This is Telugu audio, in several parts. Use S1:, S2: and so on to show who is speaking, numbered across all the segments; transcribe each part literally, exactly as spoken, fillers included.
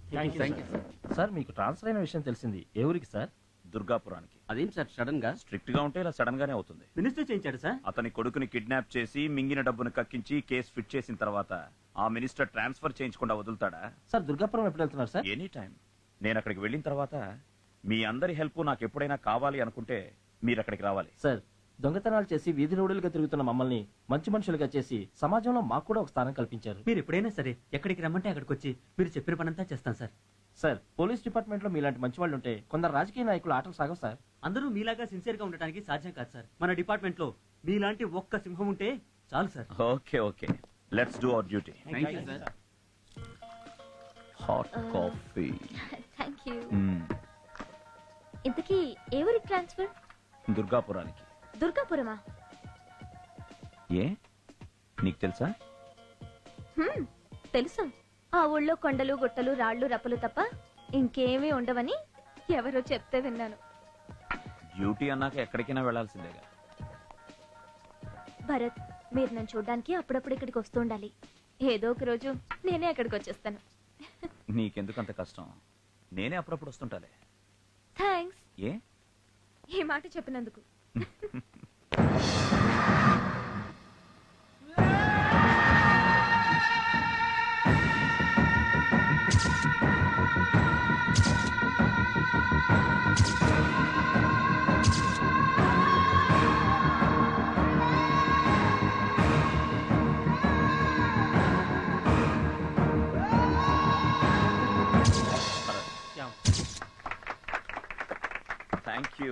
S1: సార్ మీకు ట్రాన్స్ఫర్ అయిన విషయం తెలిసింది. ఏ ఊరికి సార్?
S2: దుర్గాపురానికి.
S3: అదేం సార్ సడన్ గా?
S2: స్ట్రిక్ట్ గా ఉంటే ఇలా సడన్ గానే అవుతుంది.
S3: మినిస్టర్ చేయించాడు సార్.
S2: అతని కొడుకుని కిడ్నాప్ చేసి మింగిన డబ్బును కక్కించి కేసు ఫిట్ చేసిన తర్వాత ఆ మినిస్టర్ ట్రాన్స్ఫర్ చేయించకుండా వదులుతాడా?
S1: సార్ దుర్గాపురం ఎప్పుడు వెళ్తున్నారు సార్?
S2: Any time. నేను అక్కడికి వెళ్ళిన తర్వాత మీ అందరి హెల్ప్ నాకు ఎప్పుడైనా కావాలి అనుకుంటే మీరు అక్కడికి రావాలి.
S1: సార్ దొంగతనాలు చేసి వీధి రోడ్డులుగా తిరుగుతున్న మమ్మల్ని మంచి మనుషులుగా చేసి సమాజంలో మాకు కూడా ఒక స్థానం కల్పించారు.
S3: మీరు ఎప్పుడైనా సరే ఎక్కడికి రమ్మంటే అక్కడికి వచ్చి మీరు చెప్పిన పనంతా చేస్తాను సార్.
S1: సార్ పోలీస్ డిపార్ట్మెంట్ లో మీలాంటి మంచి వాళ్ళు ఉంటే కొందరు రాజకీయ నాయకులు ఆటలు సాగవు సార్.
S3: అందరూ మీలాగా సిన్సియర్ గా ఉండడానికి సాధ్యం కాదు సార్. మన డిపార్ట్మెంట్ లో మీలాంటి ఒక్క సింహం ఉంటే చాలు sir.
S2: Okay okay let's do our duty. Hot coffee.
S4: Thank you. ఇంతకీ ఏ ఊరికి ట్రాన్స్ఫర్?
S2: దుర్గాపురానికి.
S4: దుర్గాపురమా?
S2: ఏ నీకు తెలుసా?
S4: తెలుసు. ఆ ఊళ్ళో కొండలు గుట్టలు రాళ్లు రప్పలు తప్ప ఇంకేమీ ఉండవని ఎవరో చెప్తే విన్నాను.
S2: డ్యూటీ అన్నాక ఎక్కడికైనా వెళ్లాల్సిందేగా.
S4: భరత్ మీరు నన్ను చూడడానికి అప్పుడప్పుడు ఇక్కడికి వస్తూ ఉండాలి. ఏదో ఒక రోజు నేనే అక్కడికి వచ్చేస్తాను.
S2: నీకెందుకు అంత కష్టం? నేనే అప్పుడప్పుడు వస్తుంటాలే.
S4: థ్యాంక్స్.
S2: ఏ
S4: ఈ మాట చెప్పినందుకు.
S2: Thank you.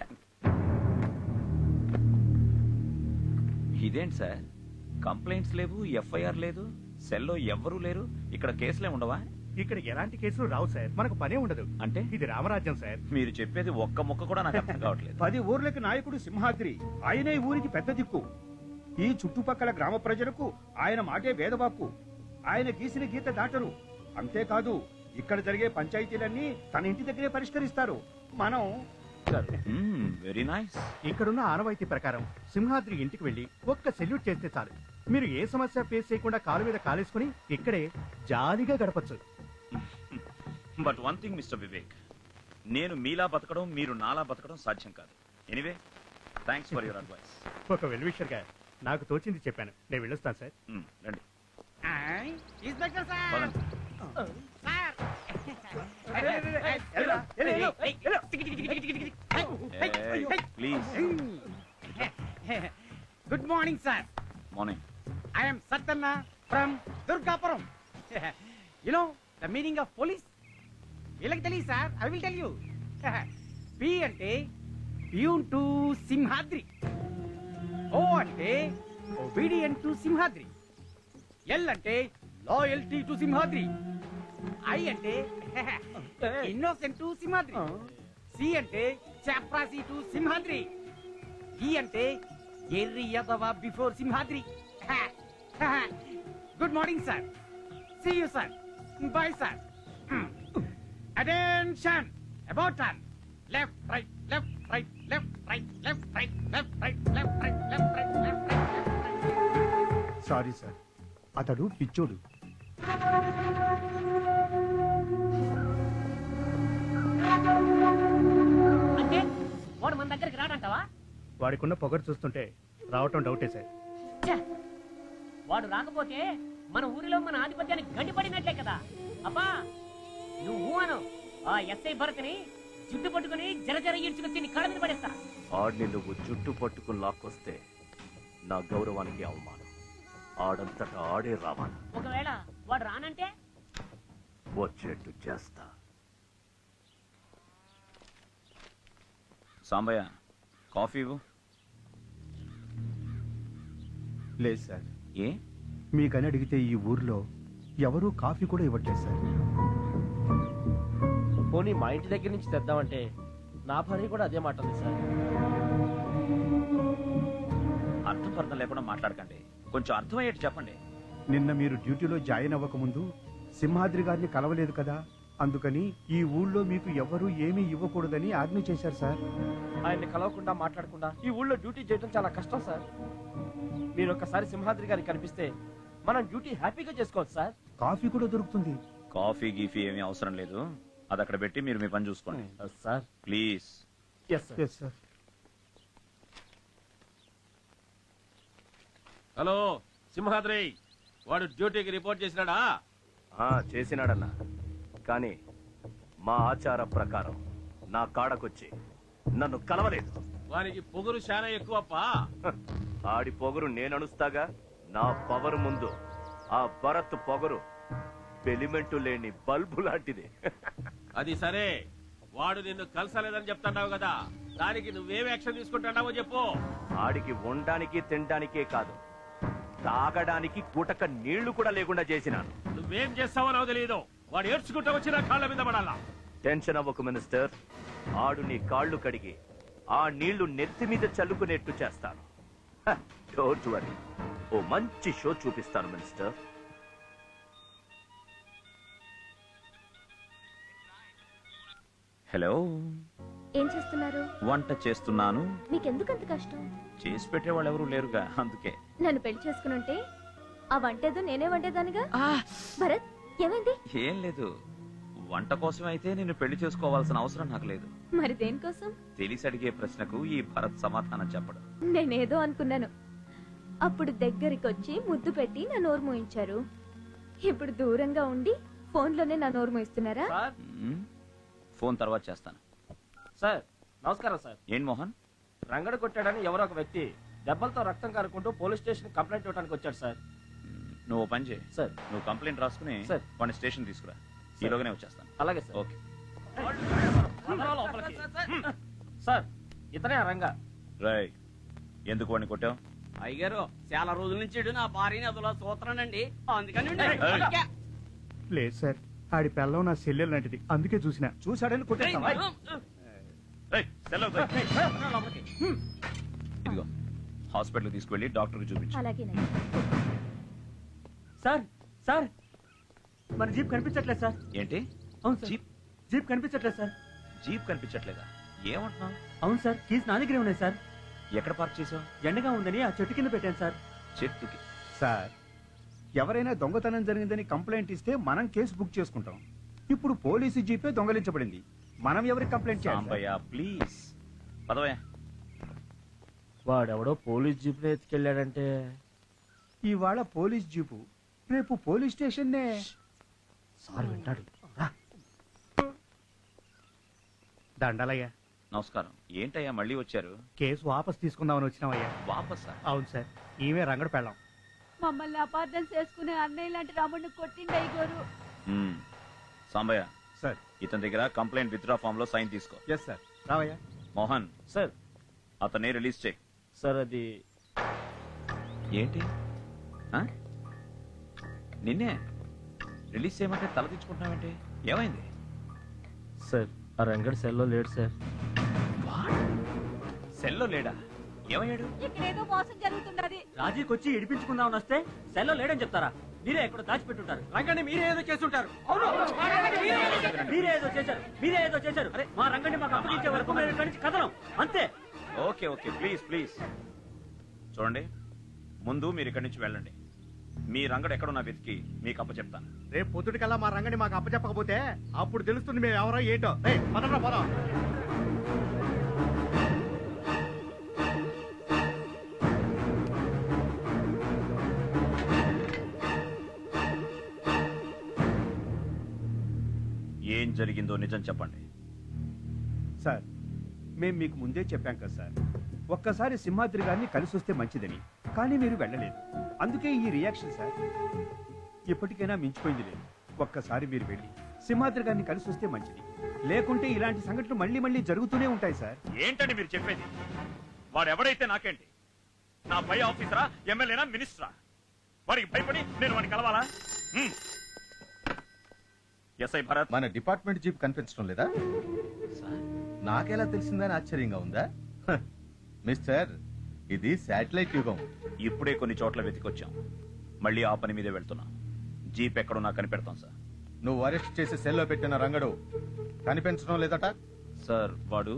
S2: ఇదేంటి సార్ కంప్లైంట్స్ లేవు, ఎఫ్ఐఆర్ లేదు, సెల్లో ఎవ్వరూ లేరు, ఇక్కడ కేసులే ఉండవా?
S5: ఇక్కడ ఎలాంటి కేసులు రావు సార్. మనకు పనే ఉండదు.
S2: అంటే
S5: ఇది రామరాజ్యం సార్.
S2: మీరు చెప్పేది ఒక్క ముక్క కూడా నాకు అర్థం కావట్లేదు.
S6: పది ఊర్లకి నాయకుడు సింహాద్రి. ఆయనే ఊరికి పెద్ద దిక్కు. ఈ చుట్టుపక్కల గ్రామ ప్రజలకు ఆయన మాటే వేదవాక్కు. ఆయన గీసిన గీత దాటరు. అంతేకాదు ఇక్కడ జరిగే పంచాయతీలన్నీ తన ఇంటి దగ్గరే పరిష్కరిస్తారు. మనం
S2: వెరీ నైస్.
S5: ఇక్కడున్న ఆనవాయితీ ప్రకారం సింహాద్రి ఇంటికి వెళ్లి ఒక్క సెల్యూట్ చేస్తే చాలు. మీరు ఏ సమస్య ఫేస్ చేయకుండా కాలు మీద కాలేసుకుని ఇక్కడే జాలీగా గడపచ్చు.
S2: But one thing mister Vivek, నేను మీలా బతకడం మీరు నాలా బతకడం సాధ్యం కాదు. Anyway thanks for your advice.
S5: ఒక వెల్ విషర్ గా నాకు తోచింది చెప్పాను. నేను వెళ్ళొస్తాను సార్.
S2: రండి. Please.
S7: Good morning sir.
S2: Morning.
S7: I am Satanna from Durgapuram. You know the meaning of police? వీళ్ళకి తెలియదు సార్. I will tell you. P అంటే ప్యూన్ టు సింహాద్రి. O అంటే obedient to సింహాద్రి. L అంటే loyalty to సింహాద్రి. I అంటే innocent to సింహాద్రి. C అంటే chaprasi to సింహాద్రి. E అంటే ఎర్రి యదవ before Simhadri. Good morning, sir. See you, sir. Bye, sir. Attention. About turn. Left, right, left, right, left, right, left, right, left, right, left, right, left, right, left, right, left, right.
S5: Sorry sir, అతడు పిచ్చోడు.
S7: అంటే వాడు మన దగ్గరికి రాడంటావా?
S5: వాడికున్న పొగరు చూస్తుంటే రావటం డౌటే సార్.
S7: వాడు రాకపోతే మన ఊరిలో మన ఆధిపత్యానికి గడ్డిపడినట్లే కదా. అబ్బా నువ్వు అను ఆ ఎస్ఐ భరత్ని జుట్టు పట్టుకుని జర జర ఈడ్చుకొచ్చి నీ కళ్ళ మీద పడేస్తా.
S2: ఆడిని నువ్వు జుట్టు పట్టుకుని లాక్కొస్తే నా గౌరవానికి అవమానం. ఆడంతటా ఆడే రావాలి.
S7: ఒకవేళ వాడు రానంటే
S2: వచ్చేట్టు చేస్తా. సాంబయ్య కాఫీ ఇవ్వు.
S5: లేదు సార్.
S2: ఏ
S5: మీకని అడిగితే ఈ ఊర్లో ఎవరూ కాఫీ కూడా ఇవ్వట్లేదు సార్.
S1: పోనీ మా ఇంటి దగ్గర నుంచి తెద్దామంటే నా భార్య కూడా అదే మాట ఉంది సార్.
S2: అర్థపర్థం లేకుండా మాట్లాడకండి. కొంచెం అర్థమయ్యేట్టు చెప్పండి.
S5: నిన్న మీరు డ్యూటీలో జాయిన్ అవ్వకముందు సింహాద్రి గారిని కలవలేదు కదా, అందుకని ఈ ఊళ్ళో మీకు ఎవరూ ఏమీ ఇవ్వకూడదని ఆజ్ఞ చేశారు సార్.
S1: ఆయన్ని కలవకుండా మాట్లాడకుండా ఈ ఊళ్ళో డ్యూటీ చేయడం చాలా కష్టం సార్. మీరు ఒక్కసారి సింహాద్రి గారికి కనిపిస్తే మనం డ్యూటీ హ్యాపీగా చేసుకోవచ్చు సార్.
S5: కాఫీ కూడా దొరుకుతుంది.
S2: కాఫీ గీఫీ ఏమీ అవసరం లేదు, అది అక్కడ పెట్టి మీరు మీ పని చూసుకోండి.
S1: Sir
S2: please.
S1: Yes sir.
S5: Yes sir.
S8: Hello Simhadri, వాడు డ్యూటీకి రిపోర్ట్ చేసినాడా?
S9: చేసినాడన్నా, కానీ మా ఆచార ప్రకారం నా కాడకొచ్చి నన్ను కలవలేదు.
S8: వానికి పొగురు చాలా ఎక్కువప్పా.
S9: హ, ఆడి పొగరు నేననుస్తాగా. నా పవర్ ముందు ఆ భరత్ పొగరు పెలిమెంటు లేని బల్బు లాంటిది.
S8: అది సరే, వాడు నిన్ను కలసలేదని చెప్తున్నావు కదా, దానికి నువ్వేం యాక్షన్ తీసుకుంటున్నావో చెప్పు.
S9: ఆడికి ఉండడానికి తినడానికే కాదు, తాగడానికి గుటక నీళ్లు కూడా లేకుండా చేసినాను.
S8: నువ్వేం చేస్తావో నాకు తెలియదు. వాడు ఏడ్చుకుంటూ వచ్చి నా కాళ్ళ మీద పడాలా.
S9: టెన్షన్ అవ్వకు మినిస్టర్, ఆడు నీ కాళ్ళు కడిగి ఆ నీళ్లు నెత్తి మీద చల్లుకునేట్టు చేస్తాను. డోంట్ వరీ, ఓ మంచి షో చూపిస్తాను మినిస్టర్.
S2: హలో,
S4: ఏం చేస్తున్నారు?
S2: వంట చేస్తున్నాను.
S4: మీకెందుకంత కష్టం?
S2: చేసి పెట్టేవాళ్ళు ఎవరు లేరుగా, అందుకే.
S4: నన్ను పెళ్లి చేసుకునుంటే ఆ వంటేదో నేనే వండేదానిగా. భరత్, ఏమైంది?
S2: ఏం లేదు, వంట కోసం అయితే నేను పెళ్లి చేసుకోవాల్సిన అవసరం నాకు లేదు.
S4: మరి దేనికోసం?
S2: తెలిసి అడిగే ప్రశ్నకు ఈ భరత్ సమాధానం చెప్పడం.
S4: నేనేదో అనుకున్నాను. అప్పుడు దగ్గరికి వచ్చి ముద్దు పెట్టి నా నోరు మూయించారు. ఇప్పుడు దూరంగా ఉండి ఫోన్లోనే నా నోరు మూయిస్తున్నారా?
S1: సార్
S2: మ్మ్. ఫోన్ తర్వాత చేస్తాను.
S1: సార్ నమస్కారం సార్.
S2: ఏం మోహన్?
S1: రంగడు కొట్టాడని ఎవరో ఒక వ్యక్తి దెబ్బలతో రక్తం కారుకుంటూ పోలీస్ స్టేషన్ కంప్లైంట్ ఇవ్వడానికి వచ్చాడు సార్.
S2: మ్మ్. నువ్వు ఓ పని చేయి,
S1: సార్.
S2: నువ్వు కంప్లైంట్ రాసుకుని
S1: సార్.
S2: వాడిని స్టేషన్ తీసుకురా. ఈలోగానే వచ్చేస్తాను.
S1: అలాగే సార్.
S2: ఓకే.
S1: అందరూ లోపలికి. సార్ ఇతనే ఆ రంగా.
S2: రాయ్, ఎందుకు వాడిని కొట్టావు?
S3: అయ్యారు చాలా రోజుల నుంచి ఇడు నా భార్యని అదిలో చూస్తున్నానండి, అందుకని
S5: లేదు సార్, ఆడి పిల్లం నా సెల్లెలు లాంటిది, అందుకే చూసిన.
S6: చూశాడని కొట్టేస్తావా?
S2: ఏయ్, సెలవు దొయ్. ఇదిగో హాస్పిటల్ తీసుకువెళ్ళి డాక్టర్కి చూపించు.
S4: అలాగేనండి.
S3: సార్ సార్ మన జీప్ కనిపించట్లేదు సార్.
S2: ఏంటి?
S3: అవును సార్,
S2: జీప్?
S3: జీప్ కనిపించట్లేదు సార్.
S2: జీప్ కనిపించట్లేదా? ఏమంటున్నావు?
S3: అవును సార్, కీస్ నా దగ్గరే ఉన్నాయి సార్.
S2: ఎక్కడ పార్క్ చేసావు?
S3: ఎండగా ఉందని ఆ చెట్టు కింద పెట్టాను సార్.
S2: చెట్టుకి.
S6: సార్, ఎవరైనా దొంగతనం జరిగిందని కంప్లైంట్ ఇస్తే మనం కేసు బుక్ చేసుకుంటాం. ఇప్పుడు పోలీసు జీపే దొంగలించబడింది, మనం ఎవరికి కంప్లైంట్ చేయాలి?
S2: సాంబయ్య ప్లీజ్ పదవయ్యా.
S1: వాడెవడో పోలీస్ జీప్ ఎత్తుకెళ్ళాడంటే
S6: ఇవాళ పోలీస్ జీపు, రేపు పోలీస్ స్టేషన్నే.
S1: సార్ వింటాడు.
S5: దండలయ్యా,
S2: నమస్కారం. ఏంటయ్యా మళ్ళీ వచ్చారు?
S5: కేసు వాపస్ తీసుకుందామని వచ్చినామయ్యా.
S2: వాపసా?
S5: అవును సార్, ఈమె రంగడు పెళ్ళాం.
S10: మమ్మల్ని అపార్థం చేసుకునే అన్నయ్య లాంటి రాముడిని కొట్టిండి అయ్యగారు.
S2: మ్మ్. సాంబయ్య,
S6: సార్.
S2: ఇతని దగ్గర కంప్లైంట్ విత్డ్రా ఫామ్ లో సైన్ తీసుకో.
S6: Yes sir. రావయ్యా.
S2: మోహన్,
S1: సార్.
S2: అతన్ని రిలీజ్ చేయి.
S1: సార్ అది
S2: ఏంటి? ఆ? నిన్నే రిలీజ్ చేయమంటే తల తెచ్చుకుంటున్నావేంటి? ఏమైంది?
S1: సార్ ఆ రంగడు సెల్లో లేడు సార్.
S2: సెల్లో లేడా? ఏమయ్యాడు?
S10: ఇక్కడేదో మోసం జరుగుతున్నది.
S3: రాజీకి వచ్చి ఇడిపించుకుందామని వస్తే సెల్లో లేడని చెప్తారా? మీరే ఎక్కడ దాచిపెట్టుంటారు. రంగండి మీరే ఏదో చేస్తుంటారు. మీరే ఏదో చేశారు, మీరే ఏదో చేశారు. అరే మా రంగండి మాకు అప్పగించే వరకు మేము ఇక్కడి నుంచి కదలం, అంతే.
S2: Okay okay, please please. చూడండి, ముందు మీరు ఇక్కడి నుంచి వెళ్ళండి. మీ రంగడు ఎక్కడున్నా వెతికి మీకు అప్ప చెప్తాను.
S5: రేపు పొద్దుటికల్లా మా రంగని మాకు అప్పచెప్పకపోతే అప్పుడు తెలుస్తుంది మేము ఎవరో ఏంటో. రేయ్, పదండ్రా, పోదాం.
S2: ఏం జరిగిందో నిజం చెప్పండి.
S6: సార్, మేము మీకు ముందే చెప్పాం కదా సార్, ఒక్కసారి సింహాద్రి గారిని కలిసి వస్తే మంచిదని. కానీ మీరు వెళ్ళలేదు, అందుకే ఈ రియాక్షన్ సార్. ఇప్పటికైనా మించిపోయింది లేదు. ఒక్కసారి మీరు వెళ్ళి సింహాద్రి గారిని కలిసి వస్తే మంచిది, లేకుంటే ఇలాంటి సంఘటనలు మళ్ళీ మళ్ళీ జరుగుతూనే ఉంటాయి సార్.
S2: ఏంటండి మీరు చెప్పేది? వాడు ఎవడైతే నాకేంటి? నా పై ఆఫీసరా, ఎమ్మెల్యేనా, మినిస్టరా? వాడికి భయపడి నేను వాడిని కలవాలా? ఎస్ఐ భరత్,
S11: మన డిపార్ట్మెంట్ జీప్ కనిపించడం లేదా? నాకెలా తెలిసిందని ఆశ్చర్యంగా ఉందా? హ, మిస్టర్, ఇది శాటిలైట్ యుగం.
S2: ఇప్పుడే కొన్ని చోట్ల వెతికొచ్చాం, మళ్ళీ ఆ పని మీదే వెళ్తున్నాం. జీప్ ఎక్కడున్నా కనిపెడతాం సార్.
S11: నువ్వు అరెస్ట్ చేసి సెల్లో పెట్టిన రంగడు కనిపించడం లేదట?
S2: సార్ వాడు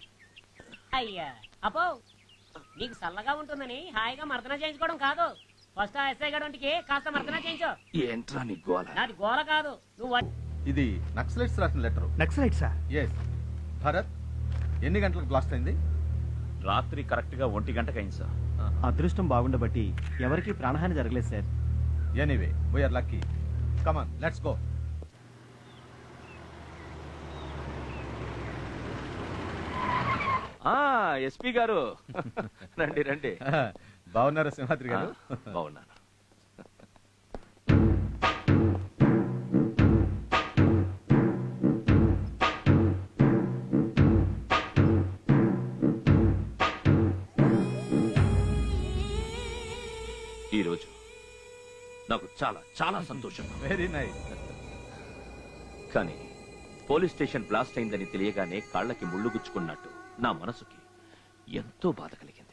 S12: అయ్యా అపో నీకు చల్లగా ఉంటుందని హాయిగా మర్దన చేయించుకోవడం కాదు,
S3: ఫస్ట్ ఆ ఎస్ఐ గడంటికి కాస్త మర్దన చేయించు.
S9: ఏంట్రా నీ గోల?
S3: నాది గోల కాదు, నువ్వు
S11: ఇది నక్సలైట్స్ రాసిన letter.
S5: Naxalite sir?
S11: Yes. Bharat, ఎన్ని గంటలకు బ్లాస్ట్ అయింది?
S2: రాత్రి కరెక్ట్ గా ఒంటి గంటకు అయింది సార్.
S1: అదృష్టం బాగుండబట్టి ఎవరికి ప్రాణహాని జరగలేదు sir.
S11: Anyway we're lucky. Come on let's go.
S9: SP గారు రండి రండి.
S11: బాగున్నారా సింహాద్రి గారు?
S9: బాగున్నాను. ఈరోజు నాకు చాలా చాలా సంతోషంగా.
S11: Very nice.
S9: కానీ పోలీస్ స్టేషన్ బ్లాస్ట్ అయిందని తెలియగానే కాళ్ళకి ముళ్ళు గుచ్చుకున్నట్టు నా మనసుకి ఎంతో బాధ కలిగింది.